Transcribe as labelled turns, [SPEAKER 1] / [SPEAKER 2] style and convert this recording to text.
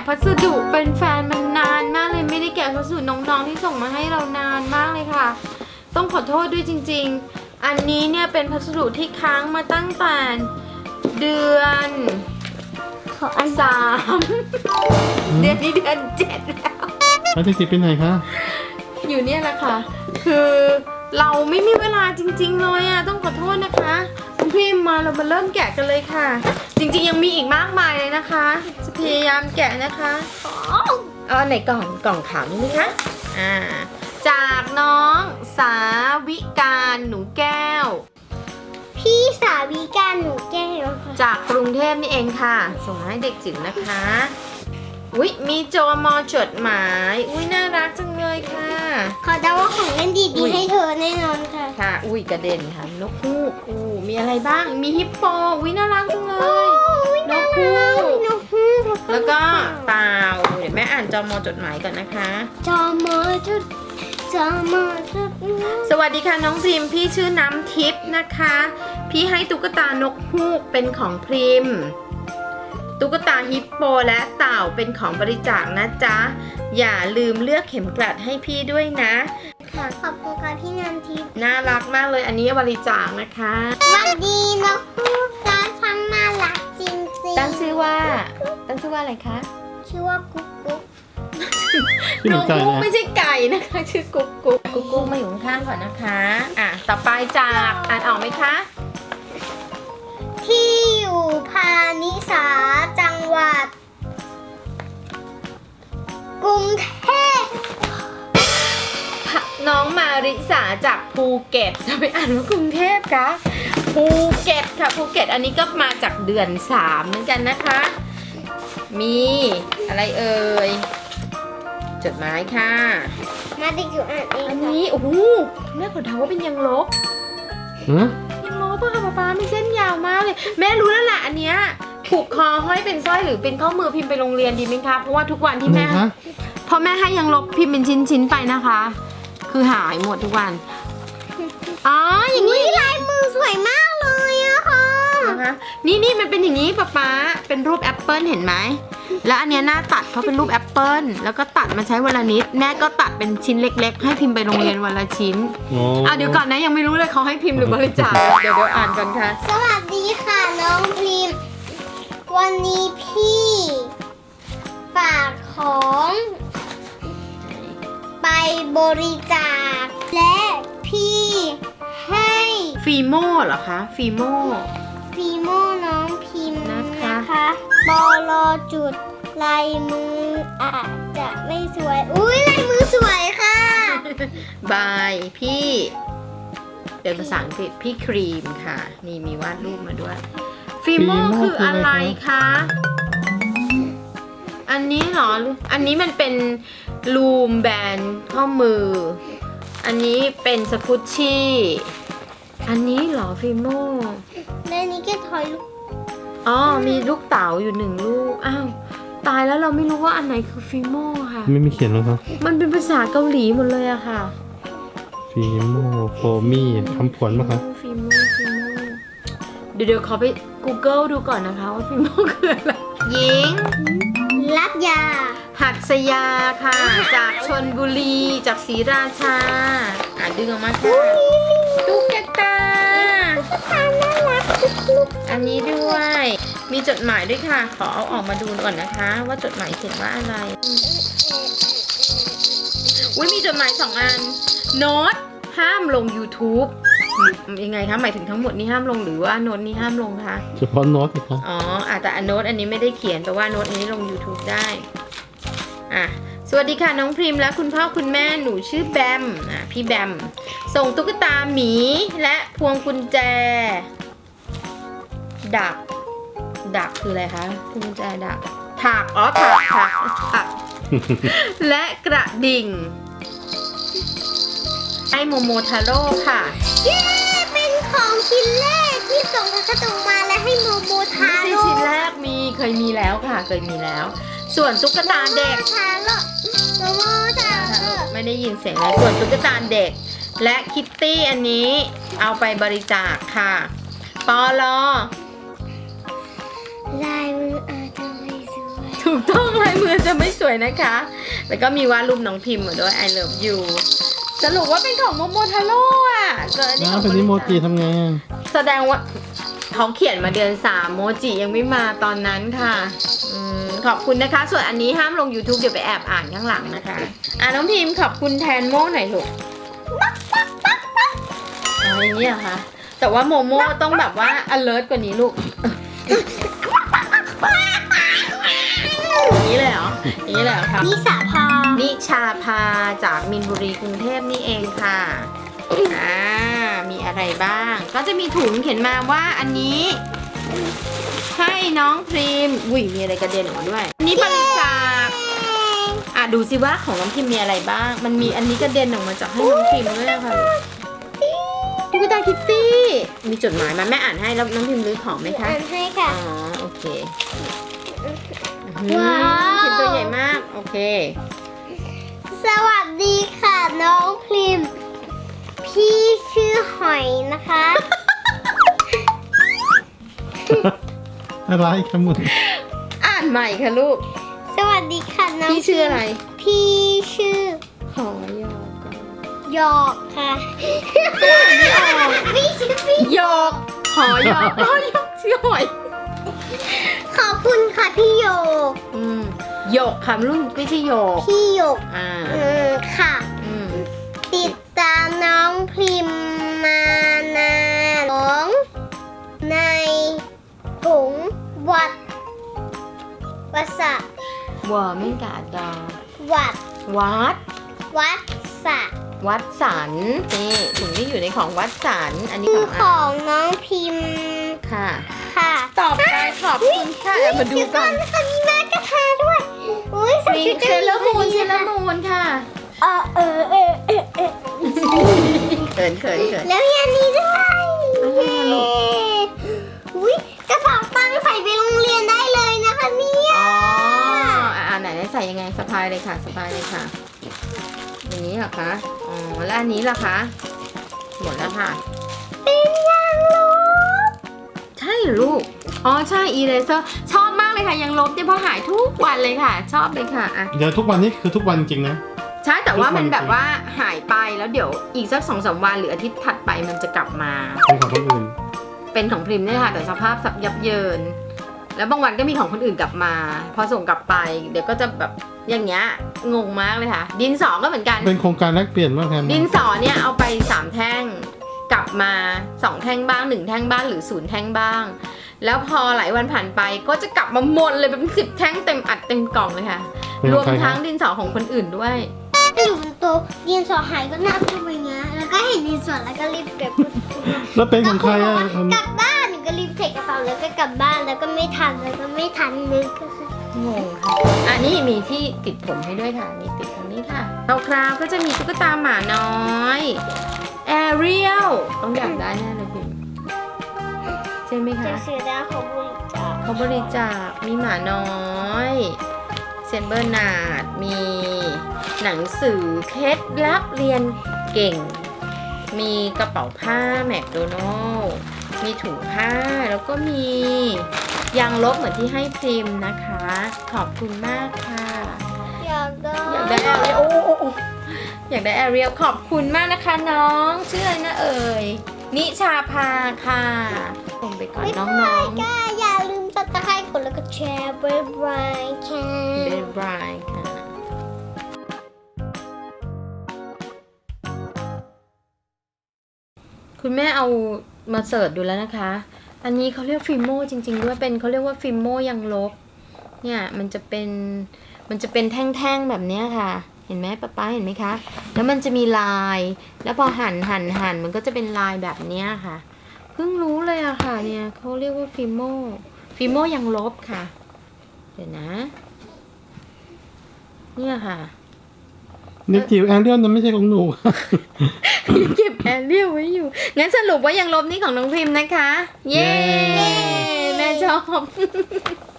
[SPEAKER 1] พัสดุเป็นแฟนมันนานมากเลยไม่ได้แกะพัสดุน้องๆที่ส่งมาให้เรานานมากเลยค่ะต้องขอโทษด้วยจริงๆอันนี้เนี่ยเป็นพัสดุที่ค้างมาตั้งแต่เดือน
[SPEAKER 2] ขออัน
[SPEAKER 1] 3 เดือนนี้เดือน 7แล้ว
[SPEAKER 3] แล้วจะจิบไปไหนคะ
[SPEAKER 1] อยู่เนี่ยแหละค่ะคือเราไม่มีเวลาจริงๆเลยอ่ะต้องขอโทษนะคะคุณพิมพ์มาเรามาเริ่มแกะกันเลยค่ะจริงๆยังมีอีกมากมายเลยนะคะจะพยายามแกะนะคะเอาอันไหนก่อนกล่องขาวนี่ไหมคะจากน้องสาวิการหนูแก้ว
[SPEAKER 2] พี่สาวิการหนูแก้วค่ะ
[SPEAKER 1] จากกรุงเทพนี่เองค่ะส่งมาให้เด็กจิ๋วนะคะอุ๊ยมีโจมอจดหมายอุ๊ยน่ารักจังเลยค่ะ
[SPEAKER 2] ขอเดาว่าของเล่นดีๆให้เธอแน่นอนค่ะ
[SPEAKER 1] ค่ะอุ้ยกระเด็นค่ะนกฮูกมีอะไรบ้างมีฮิปโปอุ๊ยน่ารักจังเลย นกฮูก
[SPEAKER 2] นกฮูก
[SPEAKER 1] แล้วก็เปล่าเดี๋ยวแม่อ่านจอมอจดหมายก่อนนะคะ
[SPEAKER 2] จอมอจุดจอมอจุด
[SPEAKER 1] สวัสดีค่ะน้องพิมพี่ชื่อน้ำทิพย์นะคะ พี่ให้ตุ๊กตานกฮูกเป็นของพริมตุ๊กตาฮิปโปและเต่าเป็นของบริจาคนะจ๊ะอย่าลืมเลือกเข็มกลัดให้พี่ด้วยนะค่ะ
[SPEAKER 2] ขอบคุณค่ะพี่นันทิพย์
[SPEAKER 1] น่ารักมากเลยอันนี้บริจาคนะคะ
[SPEAKER 2] สวัสดีนกฮูกจ้าช่างน่ารักจริงๆ
[SPEAKER 1] ตั้งชื่อว่าอะไรคะ
[SPEAKER 2] ชื่อว่ากุ๊กกุ๊ก
[SPEAKER 3] ที่ห
[SPEAKER 1] น
[SPEAKER 3] นู
[SPEAKER 1] ก
[SPEAKER 3] ใจ
[SPEAKER 1] ฮูก
[SPEAKER 3] นะ
[SPEAKER 1] ไม่ใช่ไก่นะคะชื่อกุ๊กกุ๊กกุ๊กกุ๊กมาอยู่ข้างๆก่อนนะคะต่อไปจากอ่านออกไหมคะ
[SPEAKER 2] ที่อยู่พาณิสาจังหวัดกรุงเทพ
[SPEAKER 1] น้องมาริสาจากภูเก็ตจะไปอ่านว่ากรุงเทพคะภูเก็ตค่ะภูเก็ตอันนี้ก็มาจากเดือน 3เหมือนกันนะคะ มีอะไรเอ่ยจดหมายค่ะ
[SPEAKER 2] มาดิอยู่อ่านเอง
[SPEAKER 1] อัน
[SPEAKER 2] ค่ะ
[SPEAKER 1] นี้โอ้โหแม่ขอเดาว่าเป็นยังลบ
[SPEAKER 3] ฮะ
[SPEAKER 1] ยังลบป่ะคะป๊ามีเส้นยาวมากเลยแม่รู้แล้วแหละอันเนี้ยผูกคอห้อยเป็นสร้อยหรือเป็นข้อมือพิมพ์ไปโรงเรียนดีไหมคะเพราะว่าทุกวันที่
[SPEAKER 3] ไหน
[SPEAKER 1] แม่
[SPEAKER 3] คะ
[SPEAKER 1] พอแม่ให้ยังลบพิมพ์เป็นชิ้นๆไปนะคะ คือหายหมดทุกวันอ๋ออย่างนี้
[SPEAKER 2] ลายมือสวยมากเลยอะค่ะ
[SPEAKER 1] นะคะนี่มันเป็นอย่างนี้ป๊าเป็นรูปแอปเปิลเห็นไหมแล้วอันเนี้ยหน้าตัดเพราะเป็นรูปแอปเปิลแล้วก็ตัดมาใช้วันละนิดแม่ก็ตัดเป็นชิ้นเล็กๆ ให้พิมพ์ไปโรงเรียนวันละชิ้น
[SPEAKER 3] โอ้
[SPEAKER 1] เดี๋ยวก่อนนะยังไม่รู้เลยเขาให้พิมพ์หรือบริจาคเดี๋ยวอ่านก่อนค่ะ
[SPEAKER 2] สวัสดีค่ะน้องพิมพ์วันนี้พี่ฝากของไปบริจาคและพี่ให้
[SPEAKER 1] ฟีโม่เหรอคะฟีโม่
[SPEAKER 2] ฟีโมน้องพิมพ์
[SPEAKER 1] นะคะ
[SPEAKER 2] นะคะบอลอจุดลายมืออาจจะไม่สวยอุ้ยลายมือสวยค่ะ
[SPEAKER 1] บายพี่เป็นภาษาอังกฤษพี่ครีมค่ะนี่มีวาดรูปมาด้วยฟีโม่คืออะไรคะอันนี้เหรออันนี้มันเป็นลูมแบนข้อมือ อันนี้เป็นสกุชชี่อันนี้เหรอฟีโม่
[SPEAKER 2] ในนี้แกถอยลูก
[SPEAKER 1] อ๋อมีลูกเต๋าอยู่1 ลูกอ้าวตายแล้วเราไม่รู้ว่าอันไหนคือฟีโม่ค่ะ
[SPEAKER 3] ไม่มีเขียนหรอครับ
[SPEAKER 1] มันเป็นภาษาเกาหลีหมดเลยอะค่ะ
[SPEAKER 3] ฟีโมโฟมี่คำผวนปะคะ
[SPEAKER 1] ฟีโม่เดี๋ยวขอไป Google ดูก่อนนะคะว่าฟีโม่คืออะไรหญิง
[SPEAKER 2] รักยา
[SPEAKER 1] หัดสยาค่ะ จากชนบุรีจากศรีราชาดึงออกมาค่ะตุ๊กตา
[SPEAKER 2] น่ารักลูก
[SPEAKER 1] อันนี้ด้วย มีจดหมายด้วยค่ะ ขอเอาออกมาดูก่อนนะคะ ว่าจดหมายเขียนว่าอะไรอุ้ยมีจดหมาย2 อันโน้ตห้ามลง YouTube ยังไงคะหมายถึงทั้งหมดนี้ห้ามลงหรือว่าโน้ตนี้ห้ามลงคะ
[SPEAKER 3] เฉพาะโน้ตสิคะ
[SPEAKER 1] อ๋อแต่โน้ตอันนี้ไม่ได้เขียนแต่ว่าโน้ตอันนี้ลง YouTube ได้สวัสดีค่ะน้องพริมและคุณพ่อคุณแม่หนูชื่อแบมพี่แบมส่งตุ๊กตาหมีและพวงกุญแจดักคืออะไรคะพวงกุญแจดักถักถัก และกระดิ่งไอโมโมทาโร่ค่ะ
[SPEAKER 2] เย้เป็นของชิ้นแรกที่ส่งพัสดุมาและให้โมโมทา
[SPEAKER 1] ไม่ใช่
[SPEAKER 2] โร่
[SPEAKER 1] ชิ้นแรกเคยมีแล้วค่ะเคยมีแล้ว ส่วนตุ๊กตาเด็ก
[SPEAKER 2] ทาโร่โมโมทาโร่
[SPEAKER 1] ไม่ได้ยินเสียงเลยส่วนตุ๊กตาเด็กและคิตตี้อันนี้เอาไปบริจาคค่ะปอลอ
[SPEAKER 2] ลายมืออาจจะไม่สวย
[SPEAKER 1] ถูกต้องลายมือจะไม่สวยนะคะ แล้วก็มีวาดรูปน้องพิมพ์มาด้วย I love you สรุปว่าเป็นของโมโมทาโร่อะเจอ
[SPEAKER 3] น้าเป็นนิโมจิทำไงอะ
[SPEAKER 1] แสดงว่าเขาเขียนมาเดือน3โมจิยังไม่มาตอนนั้นค่ะขอบคุณนะคะ ส่วนอันนี้ห้ามลง YouTube เดี๋ยวไปแอบอ่านข้างหลังนะคะน้องพิมพ์ขอบคุณแทนโมหน่อยลูกอะไรเนี่ยคะ แต่ว่าโมโมต้องแบบว่า alert กว่านี้ลูก อย่างนี้เลยเหรออย่างนี้เลยเหรอครับ
[SPEAKER 2] นิสาพา
[SPEAKER 1] นิชาพาจากมินบุรีกรุงเทพนี่เองค่ะมีอะไรบ้าง ก็จะมีถุงเขียนมาว่าอันนี้ ให้น้องพรีมอุ้ยมีอะไรกระเด็นออกมาด้วยนี่บริจาคดูสิว่าของน้องพิมมีอะไรบ้าง มันมีอันนี้กระเด็นออกมาจากให้น้องพิมด้วยค่ะตุ๊กตาคิตตี้มีจดหมายมาแม่อ่านให้แล้วน้องพิมรื้อของไหมคะ
[SPEAKER 2] อ่านให้ค่ะ
[SPEAKER 1] อ๋อโอเค
[SPEAKER 2] ว้าว
[SPEAKER 1] เขียนตัวใหญ่มากโอเค
[SPEAKER 2] สวัสดีค่ะน้องพริม พี่ชื่อหอยนะคะ
[SPEAKER 3] อะไรคะมึง
[SPEAKER 1] อ่านใหม่ค่ะลูก
[SPEAKER 2] สวัสดีค่ะน้อง
[SPEAKER 1] พี่ชื่ออะไร
[SPEAKER 2] พี่ชื่อ
[SPEAKER 1] หอยอก
[SPEAKER 2] หยอกค่ะพี่ชื่อพี่
[SPEAKER 1] หยอกหอยอกหอยอกชื่อหอย
[SPEAKER 2] ขอบคุณค่ะพี่โยก
[SPEAKER 1] หยกค่ะรุ่นไม่ใช่หยก
[SPEAKER 2] พี่โยก ค่ะ
[SPEAKER 1] อืม
[SPEAKER 2] ติดตามน้องพริมมานานน้องในถุงวัดวัดสะ
[SPEAKER 1] วัวไม่กาดา
[SPEAKER 2] วัด
[SPEAKER 1] วัด
[SPEAKER 2] วัดสะ
[SPEAKER 1] วัดสันนี่ถุงที่อยู่ในของวัดสันอันนี้
[SPEAKER 2] คือ
[SPEAKER 1] ข
[SPEAKER 2] ข
[SPEAKER 1] อ
[SPEAKER 2] อง งน้องพิมพ์
[SPEAKER 1] ค่ะ
[SPEAKER 2] ค่ะ
[SPEAKER 1] ต่อไปขอบคุณค่ะมาดูกัน
[SPEAKER 2] ค่ะมีแม่กระทาด้วยอุ้ยใส่
[SPEAKER 1] มี
[SPEAKER 2] ชุด
[SPEAKER 1] เซเลอร์มูนเซเลอร์มูนค่ะ
[SPEAKER 2] เออ
[SPEAKER 1] เขิน
[SPEAKER 2] แล้วมีอันนี้ด้วย
[SPEAKER 1] อะไรอะลูก
[SPEAKER 2] อุ้ยกระเป๋าตังค์ใส่ไปโรงเรียนได้เลยนะคะเนี่ย
[SPEAKER 1] อ๋อไหนใส่ยังไงสะพายเลยค่ะสะพายเลยค่ะอย่างนี้เหรอคะอ๋อแล้วอันนี้ล่ะคะหมดแล้วค่ะ
[SPEAKER 2] เป็นยางลบ
[SPEAKER 1] ใช่เหรอลูกอ๋อใช่อีเลเซอร์ชอบมากเลยค่ะยังลบเนี่ยเพราะหายทุกวันเลยค่ะ ชอบเลยค่ะอ่ะ
[SPEAKER 3] เดี๋ยวทุกวันนี้คือทุกวันจริงนะ
[SPEAKER 1] ใช่แต่ว่ามัน
[SPEAKER 3] ทุกวัน
[SPEAKER 1] แบบว่าหายไปแล้วเดี๋ยวอีกสัก2-3 วันหรืออาทิตย์ถัดไปมันจะกลับมา
[SPEAKER 3] เป็นของคนอื่น
[SPEAKER 1] เป็นของพริมเนี่ยค่ะแต่สภาพสับยับเยิน แล้วบางวันก็มีของคนอื่นกลับมา พอส่งกลับไป เดี๋ยวก็จะแบบอย่างเงี้ยงงมากเลยค่ะ ดินสอก็เหมือนกัน
[SPEAKER 3] เป็นโครงการแลกเปลี่ยนว่าแทน
[SPEAKER 1] ดินสอเนี่ยเอาไป3แท่งกลับมา2แท่งบ้าง1แท่งบ้างหรือ0แท่งบ้าง แล้วพอหลายวันผ่านไปก็จะกลับมาหมดเลยเป็น10 แท่งเต็มอัดเต็มกล่องเลยค่ะ
[SPEAKER 3] เป็น
[SPEAKER 1] ร
[SPEAKER 3] ข
[SPEAKER 1] ว
[SPEAKER 3] อง
[SPEAKER 1] ม
[SPEAKER 3] ใครครั
[SPEAKER 1] ทั้
[SPEAKER 3] บ
[SPEAKER 1] งดินสอของคนอื่นด้วย
[SPEAKER 2] อยู่บนโต๊ะดินสอหายก็นับขึ้นไปเงี้ยแล้วก็เห็นดินสอแล้วก็รีบเก็บ
[SPEAKER 3] แล้วเป็นของใครอ่ะ
[SPEAKER 2] กลับบ้านหนูก็รีบเทกระเป๋าแล้วก็กลับบ้านแล้วก็ไม่ทันนึกก็คือง
[SPEAKER 1] งค่ะอันนี้มีที่ติดผมให้ด้วยค่ะนี่ติดตรงนี้ค่ะคราวๆก็จะมีตุ๊กตาหมาน้อยแอเรียลต้องอยากได้แน่เลยพิมใช่ไหม
[SPEAKER 2] จะ
[SPEAKER 1] คะ
[SPEAKER 2] ซื้อได้ของบริจาค
[SPEAKER 1] เขาบริจาคมีหมาน้อยเซนเบอร์นาร์ดมีหนังสือเคล็ดลับเรียนเก่ง มีกระเป๋าผ้าแมคโดนัลล์มีถุงผ้าแล้วก็มียางลบเหมือนที่ให้พริมนะคะ ขอบคุณมากค่ะ
[SPEAKER 2] อยากได้
[SPEAKER 1] อยากได้แอเรียลโอ้อยากได้แอเรียลขอบคุณมากนะคะน้องชื่ออะไรนะเอ่ยนิชาภาค่ะส่งไปก่อนน้อง
[SPEAKER 2] ก็อย่าลืมซับสไครต์กดแล้วก็แชร์บ๊ายบายค่ะ
[SPEAKER 1] ๆเบนบรายค่ะคุณแม่เอามาเสิร์ชดูแล้วนะคะ อันนี้เขาเรียกฟิล์มโมจริงๆด้วยเป็นเขาเรียกว่าฟิล์มโมยังลบเนี่ยมันจะเป็นแท่งๆแบบเนี้ยค่ะ เห็นไหมป๊าเห็นไหมคะแล้วมันจะมีลายแล้วพอหั่นมันก็จะเป็นลายแบบเนี้ยค่ะเพิ่งรู้เลยอะค่ะเนี่ยเขาเรียกว่าฟิล์มโมยังลบค่ะเดี๋ยวนะเนี่ยค่ะ
[SPEAKER 3] นี่จิ๋วแอนเรียลนั้นไม่ใช่ของหนู
[SPEAKER 1] เก็บแอเรียลไว้อยู่ งั้นสรุปว่ายังลบนี่ของน้องพิมพ์นะคะ เย้ แม่ชอบ